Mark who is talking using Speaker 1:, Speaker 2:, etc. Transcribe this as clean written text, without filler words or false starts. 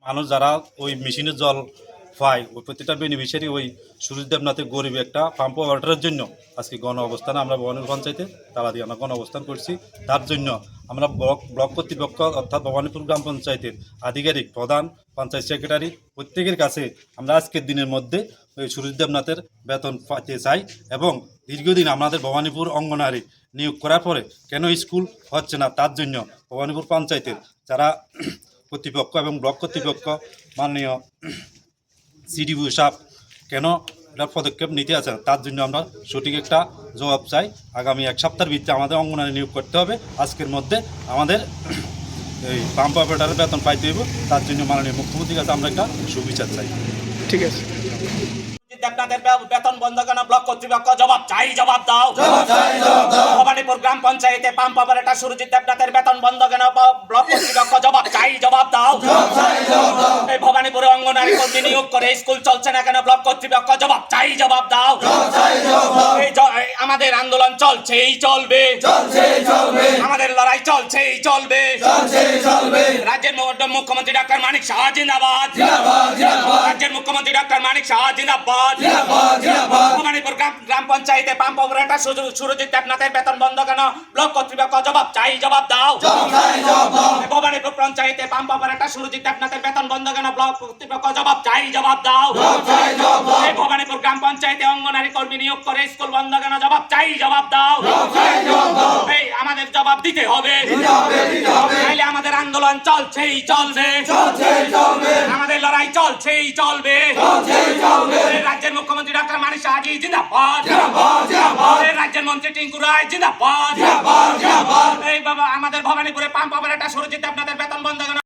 Speaker 1: মানুষ যারা ওই মেশিনের জল পায় ওই প্রতিটা বেনিফিশিয়ারি ওই সুরজ দেবনাথের গরিব একটা পাম্প ওয়াটারের জন্য আজকে গণ অবস্থানে আমরা ভবানীপুর পঞ্চায়েতে তালা দিয়ে আমরা গণ অবস্থান করছি। তার জন্য আমরা ব্লক কর্তৃপক্ষ অর্থাৎ ভবানীপুর গ্রাম পঞ্চায়েতের আধিকারিক প্রধান পঞ্চায়েত সেক্রেটারি প্রত্যেকের কাছে আমরা আজকের দিনের মধ্যে ওই সুরজ দেবনাথের বেতন পাইতে চাই এবং দীর্ঘদিন আমাদের ভবানীপুর অঙ্গনারী নিয়োগ করার পরে কেন স্কুল হচ্ছে না তার জন্য ভবানীপুর পঞ্চায়েতের যারা কর্তৃপক্ষ এবং ব্লক কর্তৃপক্ষ মাননীয় সিডিও সাহেব কেন এটা পদক্ষেপ নিতে আছে তার জন্য আমরা সঠিক একটা জবাব চাই। আগামী এক সপ্তাহের ভিত্তিতে আমাদের অঙ্গনারী নিয়োগ করতে হবে। আজকের মধ্যে আমাদের এই পাম্প অপারেটারের বেতন পাইতে হইব, তার জন্য মাননীয় মুখ্যমন্ত্রীর কাছে আমরা একটা সুবিচার চাই।
Speaker 2: ঠিক আছে।
Speaker 3: আপনাদের বেতন বন্ধ কেন? ব্লক কর্তৃপক্ষ জবাব চাই, জবাব দাও। ভবানীপুর গ্রাম পঞ্চায়েতে পাম্প অপারেটর সুরজিৎ দেবনাথের বেতন বন্ধ কেন? ব্লক কর্তৃপক্ষ জবাব চাই, জবাব দাও। এই ভবানীপুরে অঙ্গনারী কর্মী নিয়োগ করে স্কুল চলছে না কেন? ব্লক কর্তৃপক্ষ জবাব চাই, জবাব দাও। আমাদের আন্দোলন চলছেই চলবে, আমাদের লড়াই চলছেই চলবে। রাজ্যের মুখ্যমন্ত্রী ডক্টর মানিক সাহা জিন্দাবাদ, রাজ্যের মুখ্যমন্ত্রী ডক্টর মানিক সাহা জিন্দাবাদ। ভবানীপুর গ্রাম পঞ্চায়েতে পাম্প অপারেটর সুরজিৎ দেবনাথের বেতন বন্ধ কেন? ব্লক কর্তৃপক্ষ জবাব চাই, জবাব দাও। ভবানীপুর পঞ্চায়েতে পাম্প অপারেটর সুরজিৎ দেবনাথের বেতন বন্ধ কেন? ব্লক কর্তৃপক্ষ জবাব চাই, জবাব দাও। ভবানীপুর গ্রাম পঞ্চায়েতে অঙ্গনারী কর্মী নিয়োগ করে স্কুল বন্ধ কেন? জবাব চাই, জবাব দাও। এই আমাদের জবাব দিতে হবে, নাইলে আমাদের আন্দোলন চলছেই চলবে, আমাদের লড়াই চলছেই চলবে। রাজ্যের মুখ্যমন্ত্রী ডক্টর মানিক সাহা জিন্দাবাদ, রাজ্যের মন্ত্রী টিঙ্কু রায় জিন্দাবাদ। এই বাবা আমাদের ভবানীপুরে পাম্প অপারেটর সুরজিৎ দেবনাথের বেতন বন্ধ কেন?